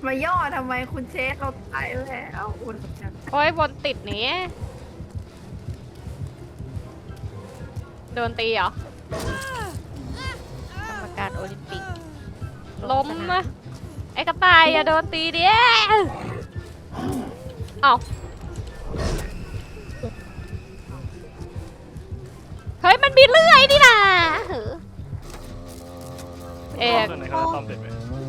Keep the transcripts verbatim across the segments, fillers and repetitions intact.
มาย่อทำไมคุณเชฟเราตายแล้วคุณโอ้ยบนติดนี้โดนตีเหรอกรรมการโอลิมปิกล้มนะไอ้กระต่ายอย่าโดนตีดิเอาเฮ้ยมันมีเลื่อยนี่นะเอกในเขาจะซ่อมเสร็จไหม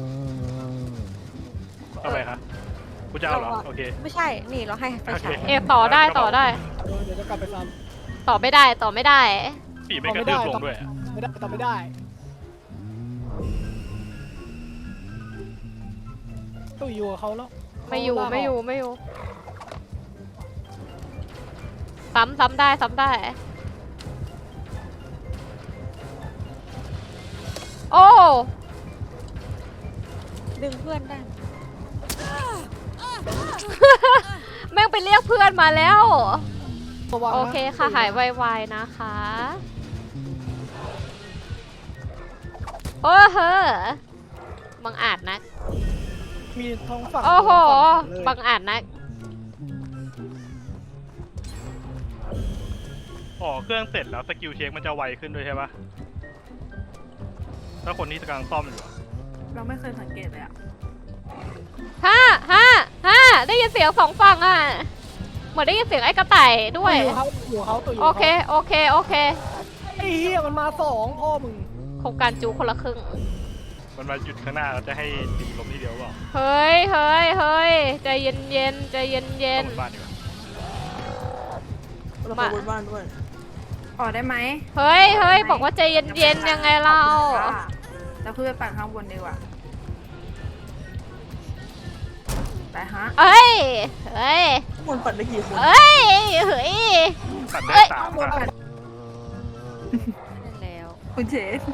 ทำไมคะกูจะเอาเหรอโอเคไม่ใช่นี่เราให้ไฟฉายเอกต่อได้ต่อได้เดี๋ยวจะกลับไปซ้ต่อไม่ได้ต่อไม่ได้ปีไม่กระตือลงด้วยำไม่ได้ต่อไม่ได้ต้องอยู่กับเขาแล้วไม่อยู่ไม่อยู่ไม่อยู่ซ้ำซ้ำได้ซ้ำได้โอ้ดึงเพื่อนได้แม่งไปเรียกเพื่อนมาแล้วระวังนะโอเคค่ะหายไวๆนะคะโอ้เฮ้อบังอาจนะมีท้องฝั่งโอ้โหเลยบังอาจนะอ๋อเครื่องเสร็จแล้วสกิลเช็คมันจะไวขึ้นด้วยใช่ปะถ้าคนที่กำลังซ่อมอยู่เราไม่เคยสังเกตเลยอะห้าห้าห้าได้ยินเสียงสองฝั่งอ่ะเหมือนได้ยินเสียงไอ้กระต่ายด้วยอยู่เขาอยู่เขาตัวอยู่โอเคโอเคโอเคไอ้เหี้ยมันมาสองพ่อมึงโครงการจูคนละครึ่งมันมาหยุดข้างหน้าแล้วจะให้ตีลมทีเดียวเปล่าเฮ้ยเฮ้ยเฮ้ยใจเย็นเย็นใจเย็นเย็นเข้าบนบ้านดีกว่าเราไปบนบ้านด้วยออกได้ไหมเฮ้ยเฮ้ยบอกว่าใจเย็นเย็นยังไงเราเราคือไปปั่นข้างบนดีกว่าไปฮะเอ้ยเฮ้ยคนปั่นได้กี่คนเอ้ยเฮ้ยตัดได้เอ้ยสามบนค่ะปั่นนั่นแล้วคุณเชฟ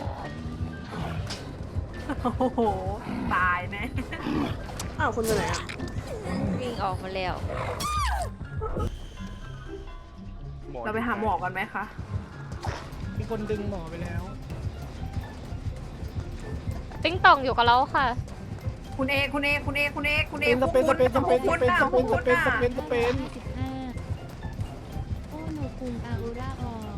โอ้โหตายแน่อ้าวคนอยู่ไหนอ่ะวิ่งออกมาแล้วเราไปหาหมอกันไหมคะมีคนดึงหมอไปแล้วติ้งต่องอยู่กับเราค่ะคุณเอคุณเอคุณเอคุณเอคุณเอเป็นสเปนสเปนสเปนสเปนสเปนสเปนสเปนสเปนสิบห้าโอ้โนคุงอาอุราออก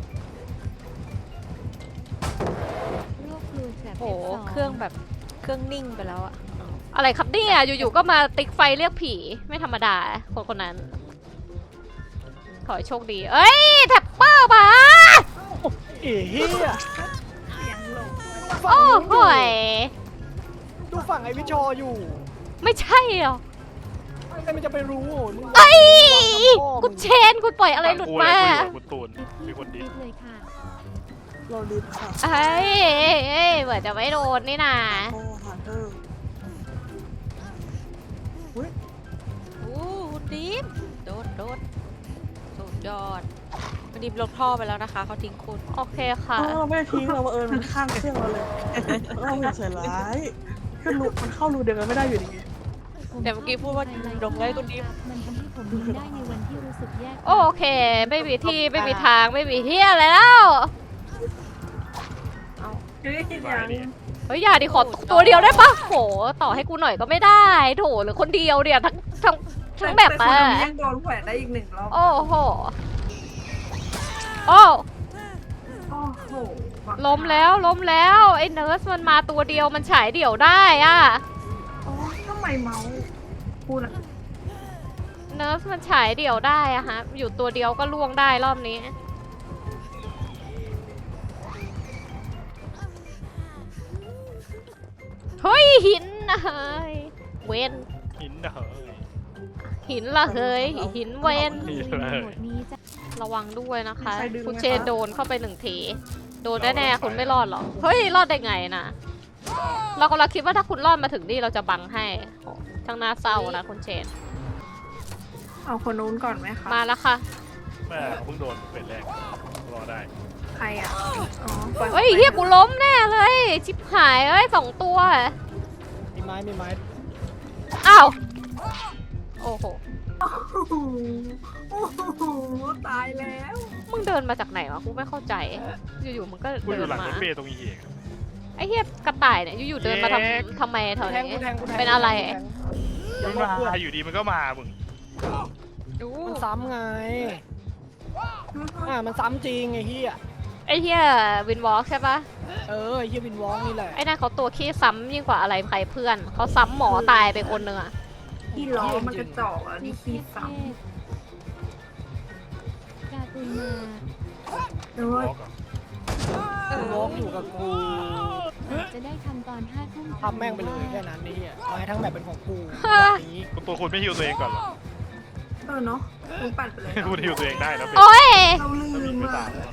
โรคฟลูแบบโอ้โหเครื่องแบบเครื่องนิ่งไปแล้วอะอะไรครับเนี่ยอยู่ๆก็มาติ๊กไฟเรียกผีไม่ธรรมดาคนคนนั้นขอให้โชคดีเอ้ยแท็ปเปอร์มาเอ้เหี้ยเสียงหลงโอ้โหยดูฝั่งไอ้วิชออยู่ไม่ใช่หรอใครมันจะไปรู้มึงเอ้ยคุณเชนคุณปล่อยอะไรหลุดมาคุณตูนมีคนดีคิดเลยค่ะเราลืมค่ะเอ้ยเอ้ยเหมือนจะไม่โดนนี่นาโอ้ฮันเตอร์อุ้ยโอ้คุณดิมโดดโดดสุดยอดคุณดิมลงท่อไปแล้วนะคะเขาทิ้งคุณโอเคค่ะเราไม่ได้ทิ้งเราเอิญมันข้างเครื่องเราเลยเราอย่าใส่ร้ายขึ้นรูมันเข้ารูเดียวกันไม่ได้อยู่ดี เดี๋ยวเมื่อกี้พูดว่าดมไว้คนนี้มันทำให้ผมยิ้มได้ในวันที่รู้สึกแย่โอเคไม่มีที่ไม่มีทางไม่มีเฮียอะไรแล้วเฮ้ยมายังดิเฮ้ยอย่าดิขอตัวเดียวได้ปะโหต่อให้กูหน่อยก็ไม่ได้โถหรือคนเดียวเดียวทั้งทั้งทั้งแบบแต่มาคนนี้ยังโดนแขวนได้อีกหนึ่งรอบโอ้โหโอ้โอ้โหล้มแล้วล้มแล้วไอ้เนิร์สมันมาตัวเดียวมันฉายเดี่ยวได้อะโอ้ทำไมเมาส์พูดอะเนิร์สมันฉายเดี่ยวได้อะฮะอยู่ตัวเดียวก็ล่วงได้รอบนี้เฮ้ยหินนะเฮ้ยเวนหินเฮ้ยหินละเฮ้ยหินเวนหินในโหมดนี้จะระวังด้วยนะคะใครดึงไหมคะคุณเชนโดนเข้าไปหนึ่งทีโดนแน่ๆคุณไม่รอดหรอกเฮ้ยรอดได้ไงนะเรากำลังคิดว่าถ้าคุณรอดมาถึงนี่เราจะบังให้โอ้ช่างน่าเศร้านะคุณเชนเอาคนนู้นก่อนไหมคะมาแล้วค่ะแม่เพิ่งโดนเป็นแรกรอได้ใครอ่ะอ๋อปล่อเฮ้ยเฮียกูล้มแน่เลยชิบหายเอ้ยสองตัวมีไม้มีไม้อ้าวโอ้โหโอ้โหโอ้โหตายแล้วมึงเดินมาจากไหนวะกูไม่เข้าใจอยู่ๆมึงก็กูอเดิยู่นหลังมารถเมล์ตรงนี้เองไอ้เฮียกระต่ายเนี่ยอยู่ๆเดินมาทเย้ำทำไมแถวกูแทงกูนี้แทงกูแทงเป็นอะไรกูแทงเดี๋ยวมันรอเพื่อนมาอยู่ดีมันก็มามึงดูมันซ้ำไงอ่ามันซ้ำจริงไอ้เฮียไอ้เหี้ยวินวอล์กใช่ปะเออไอ้เฮียวินวอล์กนี่แหละไอ้นั่นเขาตัวขี้ซ้ำยิ่งกว่าอะไรใครเพื่อนเขาซ้ำหมอตายไปคนหนึ่งอะที่ล้อมันกระจอกอ่ะนี่ขี้ซ้การ์ตูนมาำแต่ว่าวินวอล์กอยู่กับกูจะได้ทำตอนห้าทุ่มทำแม่งไปเลยแค่นั้นนี่อ่ะไม้ทั้งแบบเป็นของกูนี้ตัวคุณไม่ฮิวตัวเองก่อนเหรอเออเนาะคุณปั่นไปเลยคุณฮิวตัวเองได้แล้วเป็นโอ้ยเราลืแล้วมีมไม่อ่ะตามแล้ว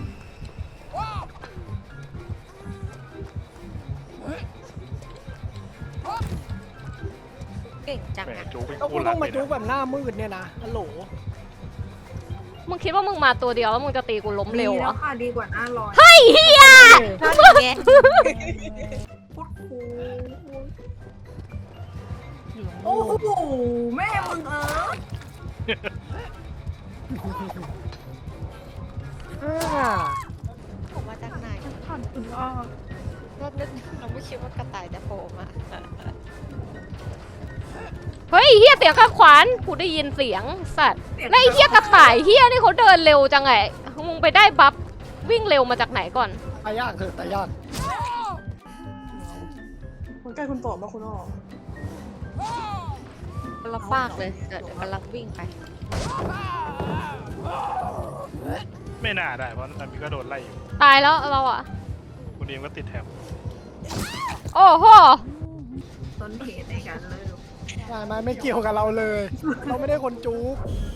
เก่งจังแหมอะจูเป็นแล้วกูคู่ต้รัอก งเลมาย จุกนะแบบหน้ามืดเนี่ยนะฮัลโหลมึงคิดว่ามึงมาตัวเดียวแล้วมึงจะตีกูล้มเร็วดีเหรแล้อวค่ะดีกว่าหน้าร้อนไอ้เหี้ยนั่นอย่างเงี้ยพุดคูโอ้โหแม่มึงเอออ่าผมมาจากไหนผ่านคุณอ้อรอบนึกเราไม่คิดว่ากระต่ายจะโผล่มาเฮ้ยเหี้ยเสียงข้างขวานกูได้ยินเสียงสัตว์แล้วไอ้เหี้ยกระต่ายเหี้ยนี่เขาเดินเร็วจังไงมึงไปได้บัฟวิ่งเร็วมาจากไหนก่อนตายยากเถอะตายยากคนใกล้คุณโตมาคุณอ้อคนละฟากเลยเดี๋ยวเดี๋ยวกำลังวิ่งไปไม่น่าได้เพราะอันนี้ก็โดนไล่อยู่ตายแล้วเราอะคุณเองก็ติดแถบโอ้โหต้นเหตุในการเลิกไม่ไม่ไม่เกี่ยวกับเราเลย เราไม่ได้คนจุก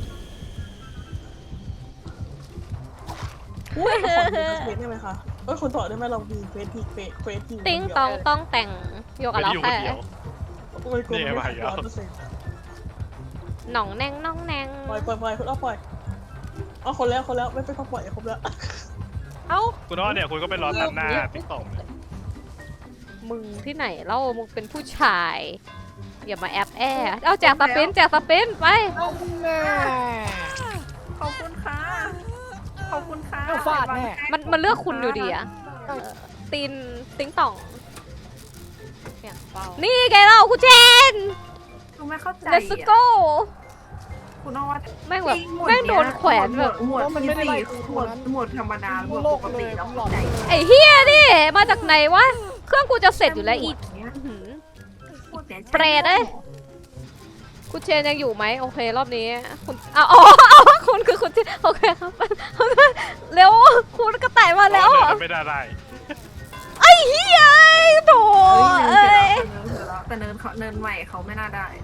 อุ้ยขอดูเฟซได้ไหมคะเอ้ยคุณต่อได้ไหมเรามีเฟซทีเฟซเฟซทีติ้งตองต้องแต่งโยกับไม่เราได้อยู่คแค่นเดียวโอ้ยกลัวนี่ไม่ไงได้มาอีกแล้วร้อยเปอร์เซ็นต์หน่องแนงน่องแนงปล่อยปล่อยปล่อยคุณอ้อปล่อยอ๋อคนแล้วคนแล้วไม่เป็นต้องปล่อยครบแล้วเอ้าคุณอ้อเนี่ยคุณก็ไปรอตัดหน้าติ๊กต็อกเลยมึงที่ไหนเล่ามึงเป็นผู้ชายอย่ามาแอบแอเอาแจกสปินแจกสปินไปเอาแน่ขอบคุณค่ะ ขอบคุณค่ะเอาฟาดแน่มันมันเลือกคุณอยู่ดีอะเออตีนติ้งต่องเสียงเบานี่ไงเราคุณเจนคุณไม่เข้าใจ let's อ่ะ go คุณอ้อว่าแม่งแบบจริหวดแม่งโดนแขวนแบบหมวดหมวดที่สี่หมวดหมวดธรรมดาหมวดปกติแล้วเข้าใจไอ้เฮียนี่มาจากไหนวะ เครื่องกูจะเสร็จอยู่แล้วอีกเนี้ยอื้อหือพูดนี่ยเปรตเอ้ย คุณเชนยังอยู่ไหมโอเครอบนี้คุณอ้าวอ๋ออ๋อคุณคือคุณเชนโอเคครับเร็วคุณกระต่ายมาแล้วเดิอะนไม่ได้ได้ไอ้เฮียไอ้โถเอ้ยเอ้ยเนินเสร็จแล้วแต่เนินเขาเนินใหม่เขาไม่น่าได้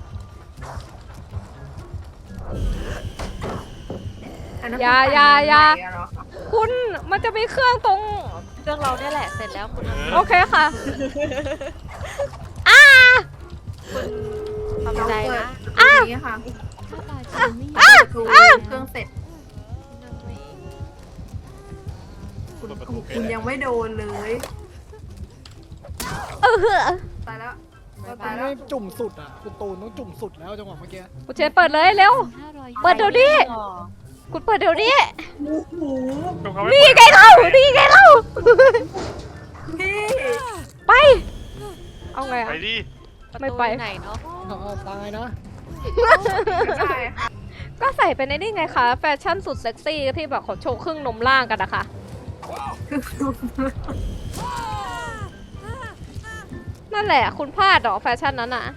อันนั้นอย่าอย่าอย่าเนินใหม่ะเหรอคะคุณมันจะมีเครื่องตรงเครื่องเราเนี่ยแหละเสร็จแล้วคุณเออโอเคค่ะทำใจนะเราเปิดประตูนี้ค่ะถ้าตาฉันไม่ประตูเครื่องเสร็จคุณคุณยังไม่โดนเลยเออตายแล้วบ๊ายตาบาย ยแล้วไม่จุ่มสุดอ่ะคุณตูนต้องจุ่มสุดแล้วจังหวะเมื่อกี้คุณเชนเปิดเลยเร็วห้าร้อยเปิดเดี๋ยวนี้ คุณเปิดเดี๋ยวนี้โอ้โหเขาไม่นี่เปิดไงเล่านี่ไงเล่าพี่ไป เอาไงไปอะดิไม่ไปประตูอยู่ไหนเนาะเอาเอาตายนะใช่ค่ะก็ใส่เป็นไอ้นี่ไงคะ แฟชั่นสุดเซ็กซี่ที่แบบเขาโชว์ครึ่งนมล่างกันนะคะ นั่นแหละ คุณพลาดเหรอแฟชั่นนั้นอะ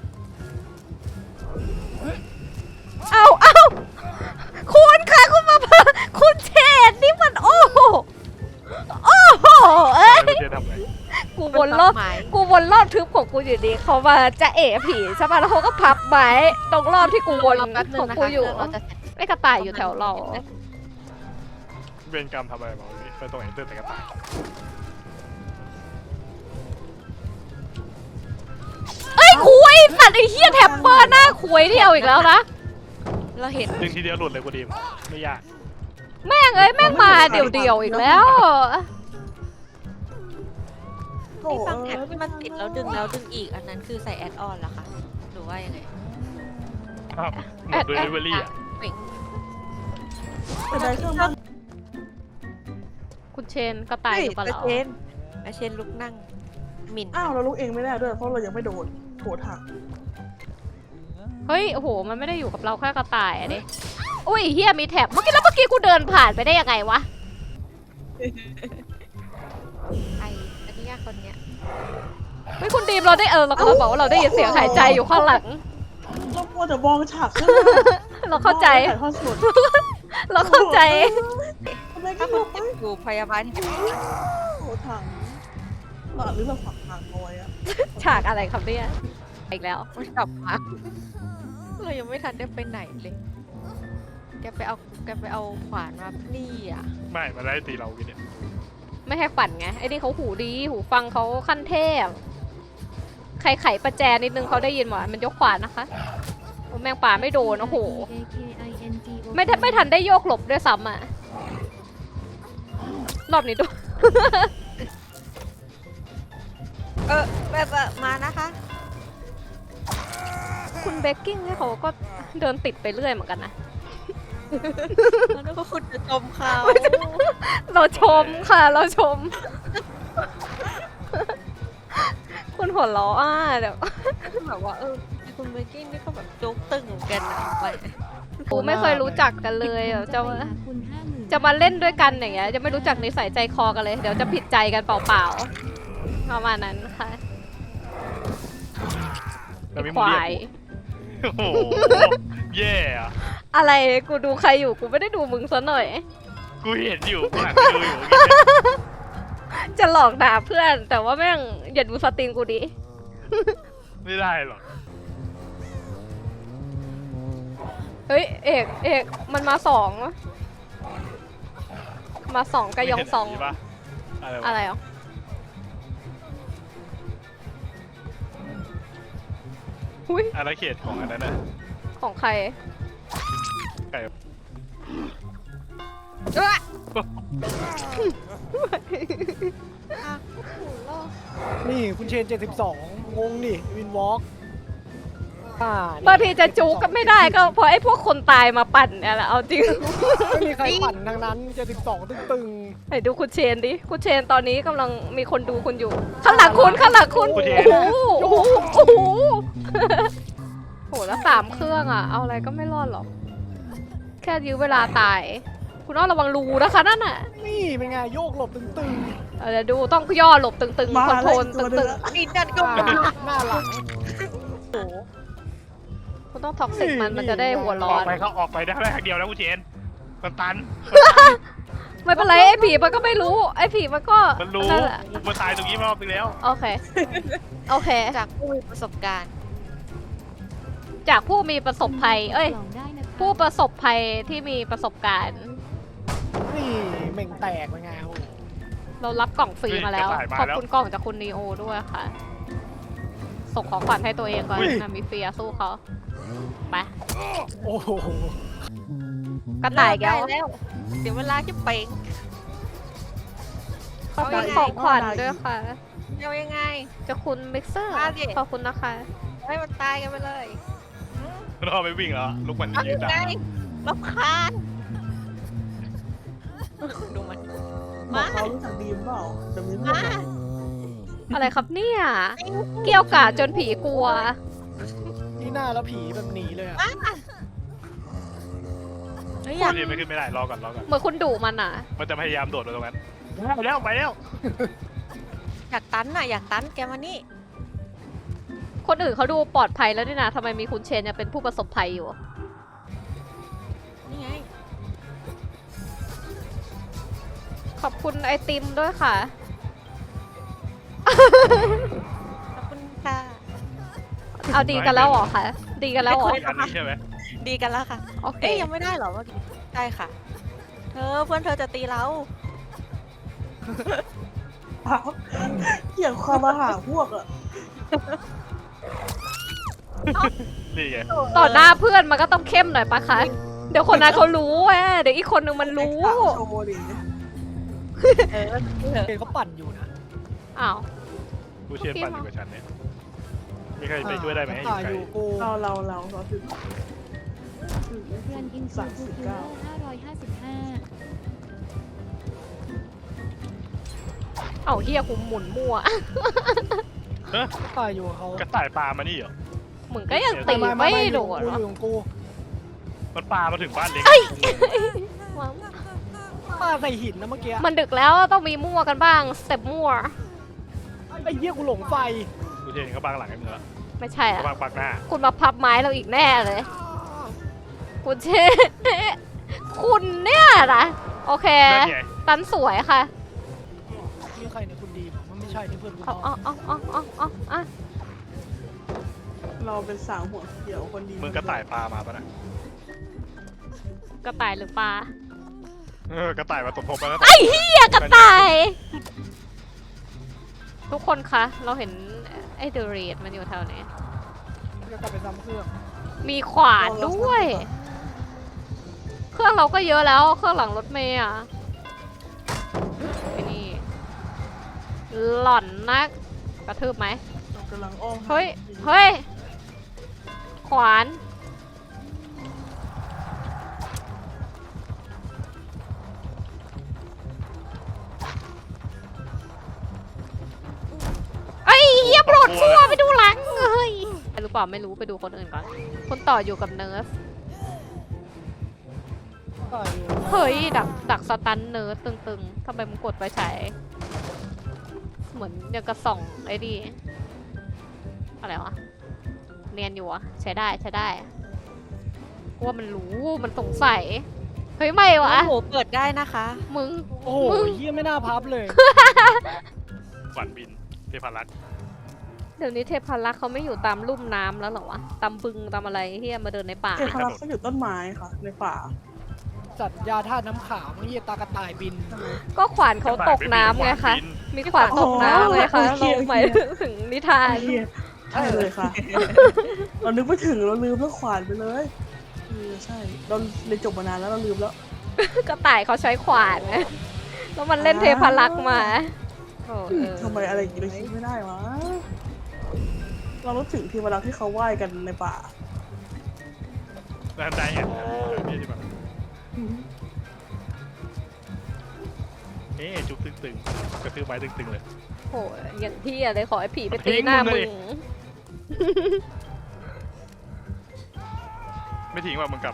เอาเอาคุณค่ะคุณมาพาคุณเชนนี่มันโอ้โหโอ้โหเอ้ยไม่จะทำอะไรกูวนรอบกูวนรอบทึบของกูอยู่ดีเขามาจะเอะผีใช่ป่ะแล้วเขาก็พับไม้ตรงรอบที่กูวนรอแป๊บนึของ งนะกูคะอยู่เครื่องเราจะเสร็จไม่กระต่ายอยู่แถวเราเวรกรรมทำอะไรมาวันนี้ไปตรงไหนเตือนแต่กระต่ายเอ้ยคุยสัตว์ไอ้เหี้ยแท็บเปอร์หน้าคุยที่เอาอีกแล้วนะเราเห็นดึงทีเดียวหลุดเลยกูดีมไม่ยากแม่งเอ้ยแม่งมาเดี่ยวๆอีกแล้วโอ้ที่ฟังเอแท็บอที่มันติดแล้วดึงแล้วดึงอีกอันนั้นคือใส่แอดออนเหรอคะหรือว่ายังไงอ้าวหมดเดลิเวอรี่อ่ะเป่งแต่ได้เครื่องมันคุณเชนกระต่ายอยู่กับเราเชนอาเชนลุกนั่งหมิ่นอ้าวเราลุกเองไม่ได้ด้วยเพราะเรายังไม่โดนโถถังเฮ้ยโอ้โหมันไม่ได้อยู่กับเราแค่กระต่ายอะดิอุ้ยเฮียมีแถบเมื่อกี้แล้วเมื่อกี้กูเดินผ่านไปได้ยังไงวะไออันนี้คนเนี้ยเฮ้ยคุณดีมเราได้เออเราก็บอกว่าเราได้ยินเสียงหายใจอยู่ข้างหลังเราควรจะมองฉากข้างหน้าเราเข้าใจถ่ายทอดสดเราเข้าใจทำไมถ้าก็คุรู้ณอยู่พยาบาลที่โอ้ถังหลอดหรือเราฝังทางน้อยอะฉากอะไรครับเนี่ยอีกแล้วมันกลับมาเรายังไม่ทันได้ไปไหนเลย แกไปเอาแกไปเอาขวานมานี่อ่ะไม่มาได้ตีเรากินเนี่ยไม่ให้ฝันไงไอ้นี่เขาหูดีหูฟังเขาขั้นเทพใครไขประแจนิดนึงเขาได้ยินหมดมันยกขวานนะคะโอ้แมงป่าไม่โดนโอ้โหไม่ทันไม่ทันได้โยกหลบด้วยซ้ำอ่ะรอบนี้ดูเออแบบเออมานะคะคุณเบกกิ้งเนี่ยเขาก็เดินติดไปเรื่อยเหมือนกันนะแล้วก็คุณจะชมเขาเราชมค่ะ เราชม คุณหัวล้ออ่ะเดี๋ยวแบบว่าเออคุณเบกกิ้งนี่ก็แบบโจ๊กตึงเหมือนกันนะไปกูไม่เคยรู้จักกันเลยแบบจะมาคุณห้าหมื่นจะมาเล่นด้วยกันอย่างเงี้ยจะไม่รู้จักนิสัยใจคอกันเลย เดี๋ยวจะผิดใจกันเปล่าๆประมาณนั้นค่ะเราไม่คมูวาเรียยกโอ้โหแย่อะอะไรกูดูใครอยู่กูไม่ได้ดูมึงซะหน่อยกูเห็นอยู่กูหันไปดูอยู่เมื่อกี้เนี่ยจะหลอกด่าเพื่อน แต่ว่าแม่งอย่าดูสตรีมกูดิไม่ได้หรอกเฮ้ยเอกเอกมันมาสองวะมาสองกระยองสองไม่เห็นนนี้ปะอะไรวะอะไรอ่ะหุ้ยอาณาเขตของอันนั้นน่ะของใครไก่เอ้ยนี่คุณเชนเจ็ดสิบสองงงดิวินวอล์กอ่าบางทีจะจูก็ไม่ได้ก็เพราะไอ้พวกคนตายมาปั่นเนี่ยแหละเอาจริงไม่มีใครปั่นทั้งนั้นเจ็ดสิบสองตึงไหนดูคุณเชนดิคุณเชนตอนนี้กำลังมีคนดูคุณอยู่ ข้างหลังคุณข้างหลังคุณโอ้โหโอ้โหโอ้โหโหแล้วสามเครื่องอ่ะ เอาอะไรก็ไม่รอดหรอก แค่ยื้อเวลาตาย คุณอ้อระวังรูนะคะนั่นน่ะๆนี่เป็นไงโยกหลบตึงเอาเดี๋ยวดูต้องย่อหลบตึงๆมาคอนโทรลแล้วอีกตัวหนึ่ตึงงอะนี่จัดก็ๆมาหน้าหลังๆคุณต้องท็อกซิกมันมันจะได้หัวร้อออกนไปเขาออกไปได้แค่ทางเดียวแล้วกูเจนมันตันไม่เป็นไรไอ้ผีมันก็ไม่รู้ ไอ้ผีมันก็มันรู้นั่นแหละกูมาตายตรงนี้มารอบนึงแล้วโอเค โอเคจากผู้มีประสบการณ์จากผู้มีประสบภัย เอ้ยกล่องได้นะคะผู้ประสบภัยที่มีประสบการณ์นี่เหม่งแตกเป็นไงโอ้โหเรารับกล่องฟรีมาแล้วเฮ้ยกระต่ายมาขอบแล้วคุณกล่องจากคุณนีโอด้วยค่ะ ส่งของขวัญให้ตัวเองก่อนนะมีเฟียสู้เขาไปโอ้โหกระต่ายแก้วเลิได้แล้ว เดี๋ยวเวลาจะเป่งขอบคุณของขวัญด้วยค่ะเอายังไงจะคุณมิกเซอร์มาดิขอบคุณนะคะให้มันตายกันไปเลยรอไปวิ่งแล้วลูกมันเอายืยันงด่าไงรำคาญดูมันบอกเขารู้จักดีมเปล่าจะมีเรื่องมาอะไรอะไรครับเนี่ย เกี่ยวกาดจนผีกลัวนี่หน้าแล้วผีแบบหนีเลยอะเฮ้ยอกูยากเจนไม่ขึ้นไม่ได้รอก่อนรอก่อนเหมือนคุณดุมันอ่ะมันจะพยายามโดดมาตรงนั้นไปแล้วไปแล้วอยากตันน่ะอยากตันแกมานี่คนอื่นเขาดูปลอดภัยแล้วนี่นะทำไมมีคุณเชนยังเป็นผู้ประสบภัยอยู่นี่ไงขอบคุณไอติมด้วยค่ะขอบคุณค่ะเอาดีกันแล้วเหรอคะ ดีกันแล้วเหรออีกอันนี้ใช่ไหมดีกันแล้วค่ะโอเคเอ๊ยยังไม่ได้เหรอเมื่อกี้ได้ค่ะ เธอเพื่อนเธอจะตีเราเกี่ยวความมาหาพวกอะนี่ไงต่อหน้าเพื่อนมันก็ต้องเข้มหน่อยปะคะ เดี๋ยวคนนั้นเขารู้แหมเดี๋ยวอีกคนนึงมันรู้โชว์ดิเออเธอเชนเขาปั่นอยู่นะอ้าวกูเชียร์ปั่นอยู่กับฉันเนี่ยมีใครไปช่วยได้ไหมกระอยู่ต่ายไกลอยู่กูเราเราเราเราถึงเพื่อนอินซูคูคูห้าร้อยห้าสิบห้าเอ้าเฮียกูหมุนมั่วเฮ้ยกระต่ายอยู่กับเขากระต่ายปลามานี่เหรอมึงก็ยังตีไม่โดนกูวะอยู่ของกูมันปามาถึงบ้านเล็กมาใส่หินนะเมื่อกี้มันดึกแล้วต้องมีมั่วกันบ้างสเต็ปมั่วไอ้เหี้ยกูหลงไฟกูเชนเขาบังหลังไอ้มึงแล้วไม่ใช่เขาอะบังปักหน้าคุณมาพับไม้เราอีกแน่เลย คุณเช คุณเนี่ยนะโอเคนั่นไงตันสวยค่ะนี่ใครเนี่ยคุณดีมมันไม่ใช่นี่เพื่อนกูเอาเอาเอาเอาเอาเอาเอาเราเป็นสาวหัวเขียวคนดีมึงกระต่ายปลามาปะนะกระต่ายหรือปลาเออกระต่ายมาตบทบมาแล้วไอ้เหี้ยกระต่าย ทุกคนคะ เราเห็นไอ้เดอะเรดมันอยู่แถวนี้จะกลับไปซ้ำเครื่องมีขวานด้วย เครื่องเราก็เยอะแล้ว เครื่องหลังรถเมย์อ่ะไอ้นี่ หล่อนนัก กระทืบไหมเรากำลังอ้อมเฮ้ย เฮ้ย ขวานไอ้เหี้ยโปรดฟัวไปดูหลังเฮ้ยรู้เปล่าไม่รู้ไปดูคนอื่นก่อน คนต่ออยู่กับเนิร์สต่อยอยู่เฮ้ย ดักดักสตันเนิร์สตึงๆทำไมมึงกดไปใช้เหมือนยังกระส่องไอ้ดีอะไรวะ เนียนอยู่อะใช้ได้ใช้ได้กูว่ามันรู้มันสงสัย เฮ้ยไม่วะโอ้โหเปิดได้นะคะมึงโอ้โหเหี้ยไม่น่าพับเลยขวัญบินเทพารักษ์เดี๋ยวนี้เทพารักษ์เขาไม่อยู่ตามลุ่มน้ำแล้วเหรอวะ ตามบึงตามอะไรที่มาเดินในป่าเทพารักษ์ก็อยู่ต้นไม้ค่ะ ในป่าสัตว์ยาธาตุน้ำขาวมันเหี้ยตากระต่ายบินก็ขวานเขาตกน้ำไงคะ มีขวานตกน้ำไงคะโอเคเราโอเคหมายถึงนิทานไอ้เหี้ยใช่เลยค่ะ เรานึกไม่ถึงเราลืมเรื่องขวานไปเลยเออใช่ เราเรียนจบมานานแล้วเราลืมแล้วก็ต่ายเขาใช้ขวานไงแล้วมันเล่นเทพารักษ์มาโอ้เออทำไมอะไรอย่างนี้เราคิดไม่ได้วะ เรารู้ถึงเทวดาที่เขาไหว้กันในป่าแล้วได้เห็นนี่ที่แบบเอ๊ะจุกตึงๆกระทืบไม้ตึงๆเลยโหอย่างที่อะไรขอให้ผีไปตีหน้าทิ้งมึมึงงเลย ไม่ทิ้งว่ามึงกลับ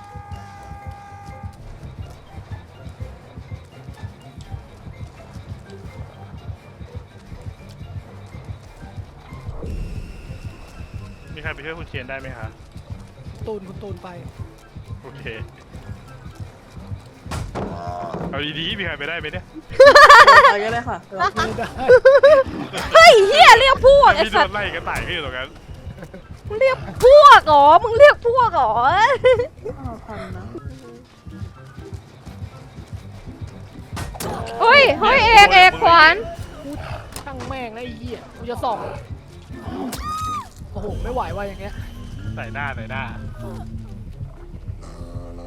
มีใครไปช่วยคุณเชียนได้ไหมคะตูนคุณตูนไปโอเคเอาดีๆมีใครไปได้ไหมเนี่ยไปก็ได้ค่ะเราไม่ได้เฮ้ยเฮียเรียกพวกไอ้พี่โดสัตนว์ไล่กระต่ายพี่อยู่ตรงนั้นมึงเรียกพวกเหรอมึงเรียกพวกเหรอเอาทันนะเฮ้ยเฮ้ยเอกเอกขวานกูช่างแม่งนะไอ้เหี้ยกูจะส่องโอ้โหไม่ไหวว่ะอย่างเงี้ยใส่หน้าใส่หน้า